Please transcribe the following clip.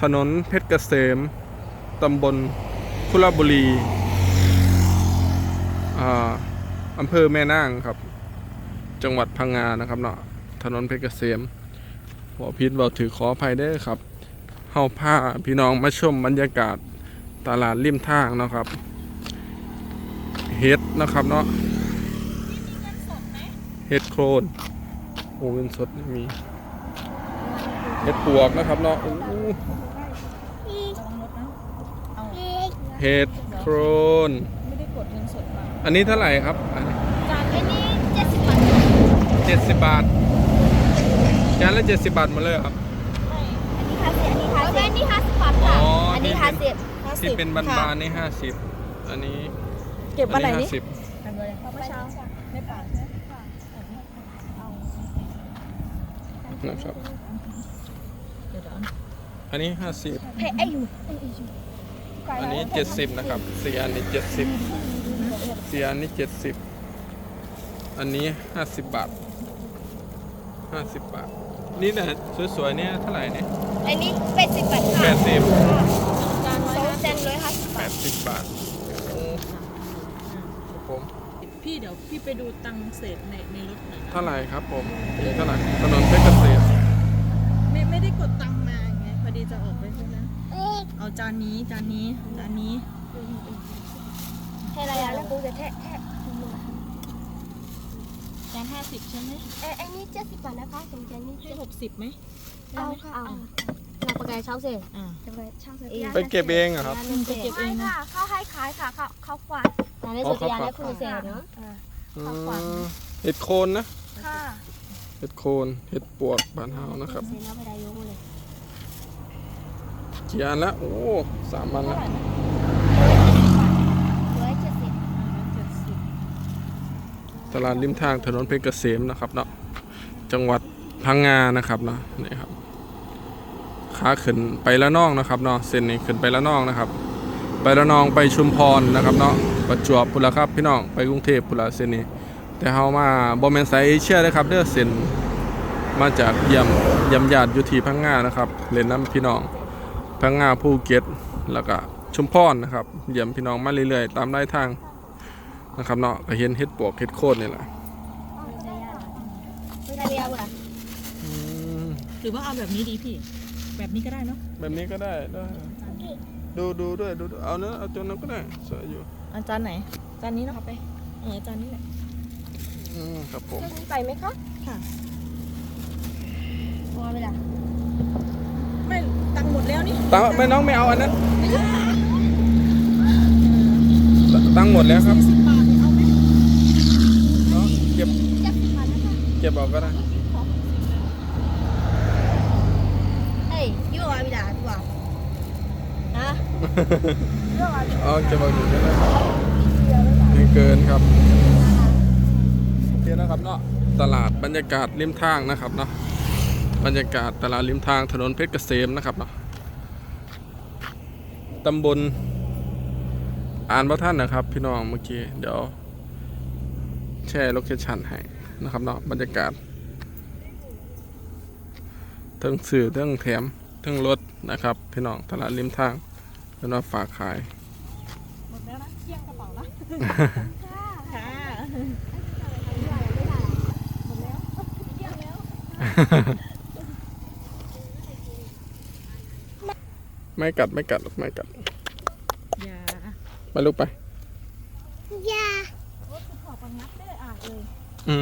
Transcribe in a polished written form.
ถนนเพชรเกษมตำบลคุระบุรีอำเภอแม่นางครับจังหวัดพังงานะครับเนาะถนนเพชรเกษมหัวพิษเราถือขออภัยได้ครับเฮาพาพี่น้องมาชมบรรยากาศตลาดริมทางนะครับเฮ็ดนะครับเนาะเฮ็ดโครนโอ้เงินสดไม่มีเฮ็ดปวกนะครับเนาะเฮ็ดโครนไม่ได้กดเงินสดมาอันนี้เท่าไหร่ครับจานนี้70 บาท 70 บาทจานละ70 บาทมาเลยครับอันนี้50 บาทค่ะอันนี้50 ที่เป็นบานๆนี่50อันนี้เก็บวันไหนนี่ 50 เมื่อเช้าไม่ป่านนะครับอันนี้50อันนี้70นะครับ4อันนี้70 4อันนี้70อันนี้50 บาท50 บาทนี่นะสวยๆเนี่ยเท่าไหร่เนี่ยอันนี้80 บาทค่ะ 80 จาน150 80 บาทผมพี่เดี๋ยวพี่ไปดูตังเศษในรถหน่อยเท่าไหร่ครับผมเท่าไหร่ถนนเพชรเกษมไม่ได้กดตังมาไงพอดีจะออกไปใช่ไหมเอาจานนี้ให้อะไรแล้วกูจะแทะจาน50ใช่ไหมอันนี้70 บาทนะคะสมจานนี้ให้60ไหมเอาเราประกาศเช่าเสร็จไปเก็บเองอะครับไปเก็บเองค่ะเขาให้ขายค่ะเขาฝากร้านในสุดยาและคุณเสร็จเนาะเห็ดโคนนะค่ะเห็ดโคนเห็ดปวกบ้านเฮานะครับกี่อันละโอ้3 อันละตลาดริมทางถนนเพชรเกษมนะครับเนาะจังหวัดพังงานะครับเนาะนี่ครับขาขึ้นไปละนองนะครับเนาะเส้นนี้ขึ้นไปละนองนะครับไปละนองไปชุมพรนะครับเนาะประจวบพุ่นละครับพี่น้องไปกรุงเทพพุ่นละเส้นนี้แต่เฮามาบ่แม่นสายเอเชียนะครับเด้อเส้นมาจากเยี่ยมญาติอยู่ที่พังงานะครับเล่นน้ำพี่น้องพังงาภูเก็ตแล้วก็ชุมพรนะครับเยี่ยมพี่น้องมาเรื่อยๆตามรายทางนะครับเนาะก็เห็นเห็ดปวกเห็ดโคนนี่แหละหรือว่าเอาแบบนี้ดีพี่แบบนี้ก็ได้เนาะแบบนี้ก็ได้ดูด้วยดูเอาเนื้อเอาจนนั้นก็ได้สวยอยู่อาจารย์ไหนจานนี้เนาะไปจานนี้แหละครับผมไปไหมคะค่ะพอเวลาไม่ตังหมดแล้วนี่ตังไม่น้องไม่เอาอันนั้นตังหมดแล้วครับ 40 บาทเอาไหมเนาะเก็บเอาก็ได้ยั่วเวลาตัวนะเก็บเอาอยู่ก็ได้ไม่เกินครับโอเคนะครับเนาะตลาดบรรยากาศริมทางนะครับเนาะบรรยากาศตลาดริมทางถนนเพชรเกษมนะครับเนาะตำบลอ่านพระท่านนะครับพี่น้องเมื่อกี้เดี๋ยวแชร์โลเคชั่นให้นะครับเนาะบรรยากาศทั้งสื่อทั้งแถมทั้งรถนะครับพี่น้องตลาดริมทางแล้วก็ฝากขายหมดแล้วนะเที่ยงกระเป๋านะค่ะหมดแล้วเที่ยงแล้วไม่กัดอย่าไปลูกไปอย่าขอปังงัดได้เลยเลย